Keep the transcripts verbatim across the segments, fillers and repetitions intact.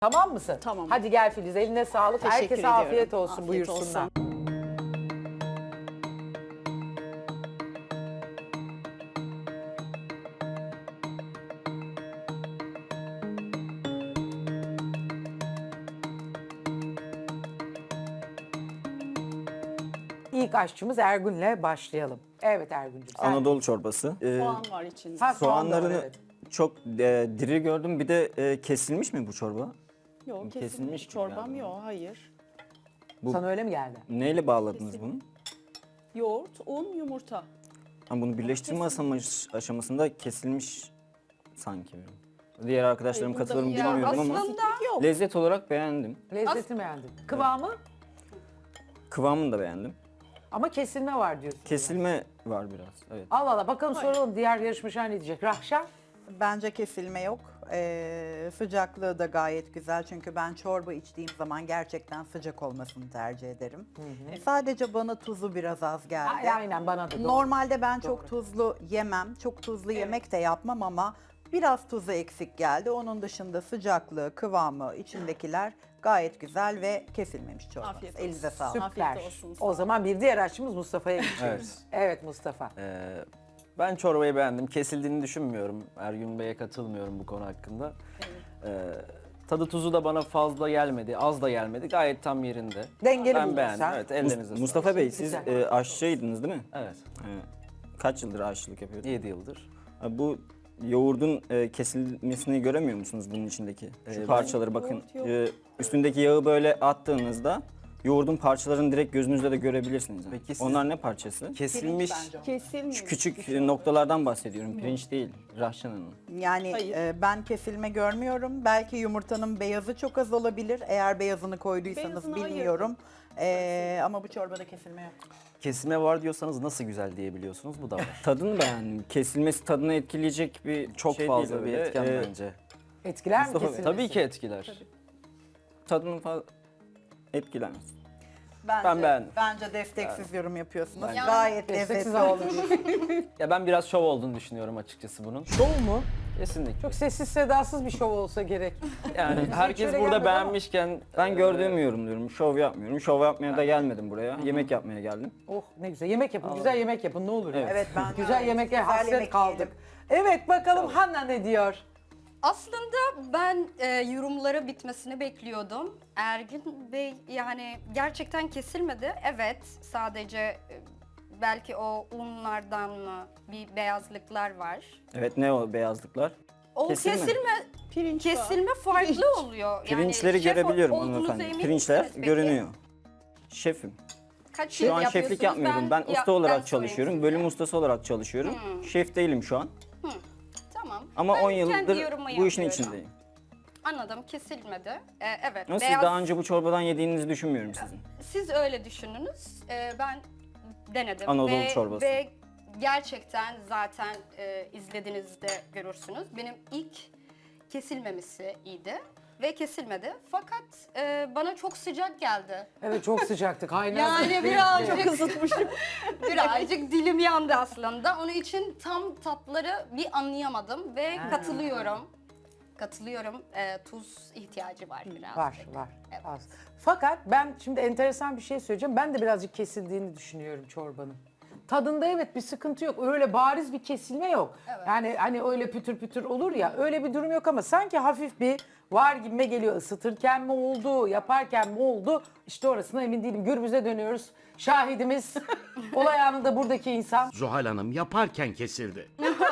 Tamam mısın? Tamam. Hadi gel Filiz, eline sağlık. Teşekkür Herkese ediyorum. afiyet olsun, Afiyet buyursunlar. olsun. İlk aşçımız Ergün'le başlayalım. Evet Ergün'cüğüm. sen- Anadolu çorbası. Ee, Soğan var içinde. Ha, soğan da var, soğanlarını evet. çok e, diri gördüm. Bir de e, kesilmiş mi bu çorba? Yok kesilmiş kesilmiş gibi çorbam geldi. yok, hayır. bu- Sana öyle mi geldi? Neyle bağladınız bunu? Yoğurt, un, yumurta. Ha, bunu birleştirme aşamış, aşamasında kesilmiş sanki. Diğer arkadaşlarım Hayır, katılır mı burada- bilmiyorum ama Aslında yok. lezzet olarak beğendim. Lezzetini beğendim. Kıvamı Kıvamını da beğendim. ama kesilme var diyorsun. Kesilme var biraz. Evet. Allah Allah, bakalım soralım diğer yarışmacılar ne diyecek. Rahşan? Bence kesilme yok. Ee, sıcaklığı da gayet güzel çünkü ben çorba içtiğim zaman gerçekten sıcak olmasını tercih ederim. E, Sadece bana tuzu biraz az geldi. Ay- Aynen, bana da doğru. Normalde ben çok tuzlu yemem, çok tuzlu yemek de yapmam ama biraz tuzu eksik geldi. Onun dışında sıcaklığı, kıvamı, içindekiler gayet güzel ve kesilmemiş çorba. Afiyet olsun. Elinize sağlık. Süper. Afiyet olsun. O zaman bir diğer aşçımız Mustafa'ya geçiyoruz. Evet. Evet Mustafa. Ee, ben çorbayı beğendim. Kesildiğini düşünmüyorum. Ergün Bey'e katılmıyorum bu konu hakkında. Ee, tadı tuzu da bana fazla gelmedi, az da gelmedi. Gayet tam yerinde. Dengeli Ben buldun beğendim. sen. Evet, Mus- ellerinize sağlık. Mustafa Bey siz Güzel. e, aşçıydınız değil mi? Evet, E, kaç yıldır aşçılık yapıyordunuz? yedi yıldır. Ha, bu yoğurdun e, kesilmesini göremiyor musunuz bunun içindeki? Şu ben- parçaları bakın. yoğurt yok. E, üstündeki yağı böyle attığınızda yoğurdun parçalarını direkt gözünüzle de görebilirsiniz. Peki siz- Onlar ne parçası? Kesilmiş. Kesilmiş. Şu küçük e, noktalardan bahsediyorum. Pirinç değil, Rahşan Hanım. Yani Hayır. e, ben kesilme görmüyorum. Belki yumurtanın beyazı çok az olabilir. Eğer beyazını koyduysanız Beyazını bilmiyorum. E, ama bu çorbada kesilme yok. Kesilme var diyorsanız nasıl güzel diyebiliyorsunuz? Bu da var. Tadını beğendim. Kesilmesi tadını etkileyecek bir Çok şey fazla değil bir öyle. etken E, bence. Etkiler mi Mustafa Bey, kesilmesi? Tabii ki etkiler. Tadını fazla etkilemez. Bence, Ben beğendim. Bence desteksiz yorum yapıyorsunuz. Bence- Gayet Desteksiz lezzetli olmuş. olmuş. Ya ben biraz şov olduğunu düşünüyorum açıkçası bunun. Şov mu? Kesinlikle. Çok sessiz sedasız bir şov olsa gerek. Yani herkes öyle burada gelmedi ama- beğenmişken Ben gördüğümü yorumluyorum. Şov yapmıyorum. Şov yapmaya da gelmedim buraya. Yemek yapmaya geldim. Oh ne güzel. Yemek yapın, güzel yemek yapın ne olur. ya. Evet, ben de Güzel öyle. yemeklere Güzel hasret yemek kaldık. yiyelim. Evet bakalım Hanna ne diyor? Aslında ben e, yorumları bitmesini bekliyordum. Ergün Bey yani gerçekten kesilmedi. Evet, sadece e, belki o unlardan mı bir beyazlıklar var. Evet, ne o beyazlıklar? O Kesilme. kesilme Pirinç var. kesilme farklı oluyor. Pirinçleri yani şef görebiliyorum olduğunuza hanımefendi. emin Pirinçler misiniz peki? görünüyor. Şefim. Kaç Şu yıl an şeflik yapıyorsunuz? yapmıyorum. Ben, ya- usta olarak ben sorayım çalışıyorum. size. Bölüm ustası olarak çalışıyorum. Şef değilim şu an. Tamam. Ama Ben on kendi yıldır yorumu bu işin yapıyorum. içindeyim. Anladım, kesilmedi. Ee, evet. Ama siz beyaz- daha önce bu çorbadan yediğinizi düşünmüyorum sizin. Siz öyle düşününüz. Ee, ben denedim. Anadolu ve, çorbası. Ve gerçekten zaten e, izlediğinizde görürsünüz. Benim ilk kesilmemesi iyiydi ve kesilmedi. Fakat e, bana çok sıcak geldi. Evet çok sıcaktı kaynadı. Yani birazcık ısıtmışım. birazcık dilim yandı aslında. Onun için tam tatları bir anlayamadım ve katılıyorum. Katılıyorum. E, tuz ihtiyacı var biraz. Var var. Evet. Az. Fakat ben şimdi enteresan bir şey söyleyeceğim. Ben de birazcık kesildiğini düşünüyorum çorbanın. Tadında evet bir sıkıntı yok. Öyle bariz bir kesilme yok. Yani hani öyle pütür pütür olur ya öyle bir durum yok ama sanki hafif bir var gibime geliyor. Isıtırken mi oldu, yaparken mi oldu? İşte orasına emin değilim. Gürbüz'e dönüyoruz. Şahidimiz olay anında buradaki insan. Zuhal Hanım yaparken kesildi.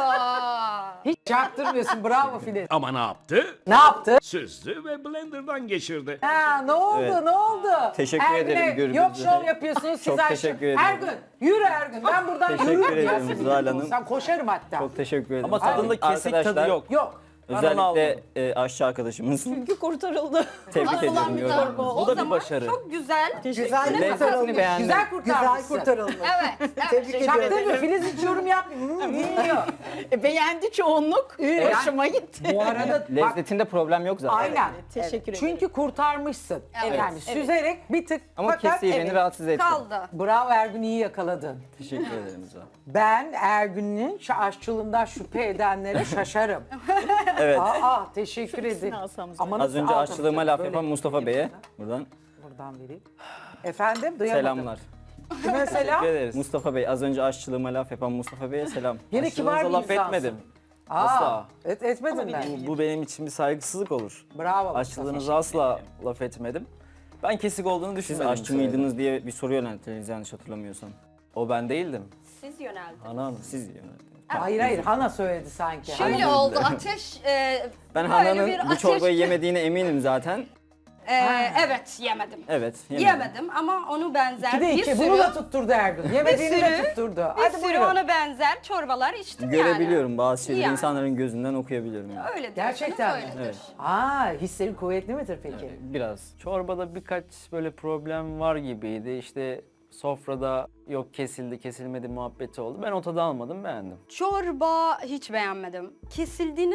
Aa, Hiç çaktırmıyorsun. Bravo Filiz. Ama ne yaptı? Ne yaptı? Süzdü ve blenderdan geçirdi. Ha ne oldu Evet. ne oldu? Teşekkür Ergün'e ederim Gürbüz Yok Bey. şov yapıyorsunuz siz Çok aşkım. teşekkür ederim. Ergün yürü Ergün ben buradan Teşekkür yürürüm ya. ederim Zuhal Hanım. Sen koşarım hatta. Çok teşekkür ederim. Ama tadında Arkadaşlar, kesik tadı yok. Yok. Ben onu Özellikle almadım. e, aşçı arkadaşımız. Çünkü kurtarıldı. Tebrik Aslan ediyorum. bir yorumunuzu. çorba. Bu O da bir zaman başarı. çok güzel. Güzel Lezzetini kurtarılmış. beğendim. Güzel kurtarmışsın. Güzel kurtarılmış. Evet. evet. Tebrik Teşekkür ediyorum. Çaktırmıyor. Filiz hiç yorum yapmıyor. Hmm, bilmiyor. E, beğendi çoğunluk. Evet. Hoşuma gitti. Bu arada bak, Lezzetinde problem yok zaten. aynen. Teşekkür ederim. Çünkü kurtarmışsın. Evet, Yani süzerek bir tık Ama fakat kesiği beni evet. rahatsız etti. Kaldı. Bravo Ergün iyi yakaladın. Teşekkür ederim Zuhal. Ben Ergün'ün şu aşçılığından şüphe edenlere şaşarım. Evet. Aa, teşekkür ederim. alsam Ama Az nasıl önce aldım aşçılığıma canım? laf Böyle yapan Mustafa Bey'e buradan buradan vereyim. Efendim duyamadım. selamlar. Kime selam? Teşekkür ederiz. Mustafa Bey, az önce aşçılığıma laf yapan Mustafa Bey'e selam. Yine kibar bir Aşçılığınıza laf insansın. etmedim. Aa, Asla. Et, etmedin mi? Bu, bu benim için bir saygısızlık olur. Bravo. Aşçılığınıza asla laf etmedim. Ben kesik olduğunu Siz düşünmedim. aşçı mıydınız diye bir soru yönelttiniz yanlış hatırlamıyorsam. O ben değildim. Siz yöneldiniz. Ana hanım. Siz yöneldiniz. Hayır hayır Hana söyledi sanki. Şöyle Hana- oldu ateş e, Ben böyle Hana'nın bir bu ateş- çorbayı yemediğine eminim zaten. E, evet yemedim. Evet, yemedim. Yemedim ama onu benzer İki de bir iki. sürü, Bunu da tutturdu Ergun. Yemediğini bir de sürü- tutturdu. bir Hadi sürü buyurun. ona benzer çorbalar içtim yani. Görebiliyorum bazı şeyleri Yani. insanların gözünden okuyabiliyorum yani. Öyle Gerçekten mi? öyledir. Evet. Aa, hislerin kuvvetli midir peki? Biraz. Çorbada birkaç böyle problem var gibiydi. İşte sofrada yok kesildi kesilmedi muhabbeti oldu. Ben o tadı almadım, beğendim. Çorba hiç beğenmedim. Kesildiğini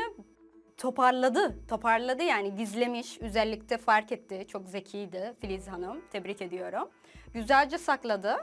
toparladı. Toparladı yani gizlemiş. Özellikle fark etti. Çok zekiydi Filiz Hanım. Tebrik ediyorum. Güzelce sakladı.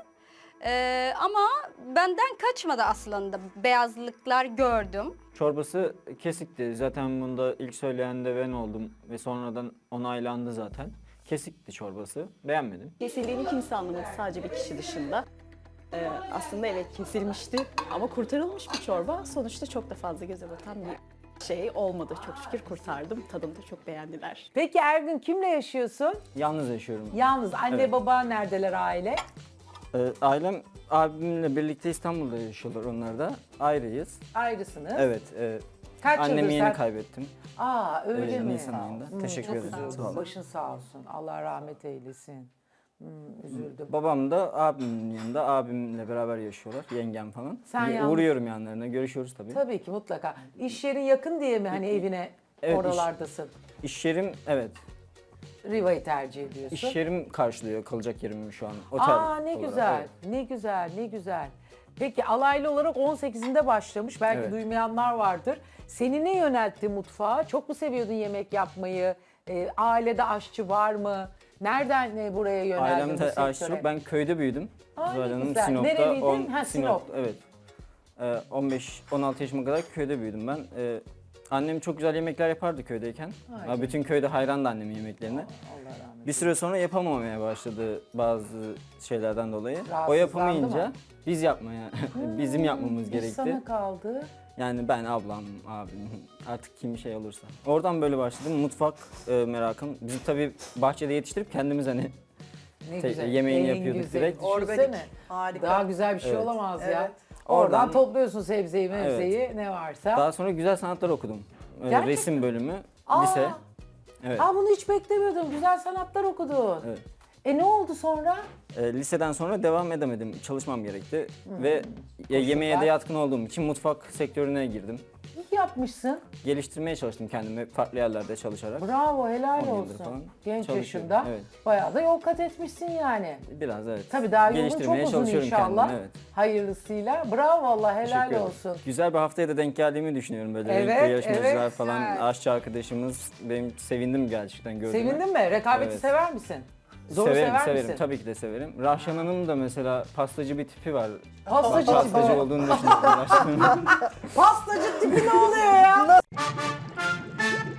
Ee, ama benden kaçmadı aslında. Beyazlıklar gördüm. Çorbası kesikti. Zaten bunda ilk söyleyen de ben oldum ve sonradan onaylandı zaten. Kesikti çorbası. Beğenmedim. Kesildiğini kimse anlamadı sadece bir kişi dışında. Ee, aslında evet kesilmişti ama kurtarılmış bir çorba. Sonuçta çok da fazla göze batan bir şey olmadı. Çok şükür kurtardım. Tadını da çok beğendiler. Peki Ergun kimle yaşıyorsun? Yalnız yaşıyorum. Yalnız anne Evet. baba neredeler aile? Ee, ailem abimle birlikte İstanbul'da yaşıyorlar onlar da. Ayrıyız. Ayrısınız. Evet. E, Kaç annemi yıldır yeni sen- kaybettim. Aa öyle Ee, mi? Nisan ayında. Hmm, Teşekkür çok ederim. üzüldüm. Sağ olun. Başın sağ olsun. Allah rahmet eylesin. Hmm, üzüldüm. Babam da abimin yanında. Abimle beraber yaşıyorlar. Yengem falan. Sen Bir yalnız- Uğruyorum yanlarına. Görüşüyoruz tabii. Tabii ki mutlaka. İş yerin yakın diye mi hani evine Evet, iş- oralardasın? İş yerim evet. Riva'yı tercih ediyorsun. İş yerim karşılıyor kalacak yerimi şu an. Otel Aa ne olarak, güzel, evet. ne güzel, ne güzel. Peki alaylı olarak on sekizinde başlamış. Belki Evet. duymayanlar vardır. Seni ne yöneltti mutfağa? Çok mu seviyordun yemek yapmayı? Ee, ailede aşçı var mı? Nereden e, buraya yöneldin bu Ailemde sektöre? aşçılık. Ben köyde büyüdüm. Aa, ne Zuhal Hanım, güzel. Sinop'ta. Nereliydin? Ha, Sinop. Evet. Ee, on beş on altı yaşıma kadar köyde büyüdüm ben. Ee, annem çok güzel yemekler yapardı köydeyken. Ay Ha, bütün köyde hayrandı annemin yemeklerine. Allah rahmet Bir süre sonra yapamamaya başladı bazı şeylerden dolayı. O Rahatsızlandı yapamayınca mı? biz yapmaya, bizim yapmamız İş gerekti. sana kaldı. Yani ben, ablam, abim, artık kim şey olursa. Oradan böyle başladım. Mutfak e, merakım. Biz tabii bahçede yetiştirip kendimiz hani Ne Te- güzel. yemeğini en yapıyorduk güzeli. direkt. Düşünsene. Harika. Daha güzel bir şey Evet. olamaz ya. Evet. Oradan, Oradan- topluyorsun sebzeyi, mevzeyi ne varsa. daha sonra güzel sanatlar okudum. Ee, Gerçekten resim bölümü, Aa! lise. Evet. Aa bunu hiç beklemiyordum. Güzel sanatlar okudun. Evet. E ne oldu sonra? E, liseden sonra devam edemedim. Çalışmam gerekti. Hmm. Ve e, yemeğe de yatkın olduğum için mutfak sektörüne girdim. İyi yapmışsın. Geliştirmeye çalıştım kendimi farklı yerlerde çalışarak. Bravo, helal on yıldır olsun. falan Genç çalışıyorum, yaşında evet. bayağı da yol kat etmişsin yani. Biraz evet. Tabii daha yolun çok Geliştirmeye uzun çalışıyorum inşallah. kendimi, evet. Hayırlısıyla. Bravo valla, helal Teşekkür ederim. olsun. Güzel bir haftaya da denk geldiğimi düşünüyorum böyle Evet, renkli yarışmacılar evet. falan, Evet. aşçı arkadaşımız. Benim sevindim gerçekten gördüğüme. Sevindin mi? Rekabeti Evet. sever misin? Zoru severim, sever severim. misin? Tabii ki de severim. Rahşan Hanım da mesela pastacı bir tipi var. Pastacı Pastacı tipi. olduğunu düşünüyorum Rahşan Hanım. Pastacı tipi ne oluyor ya?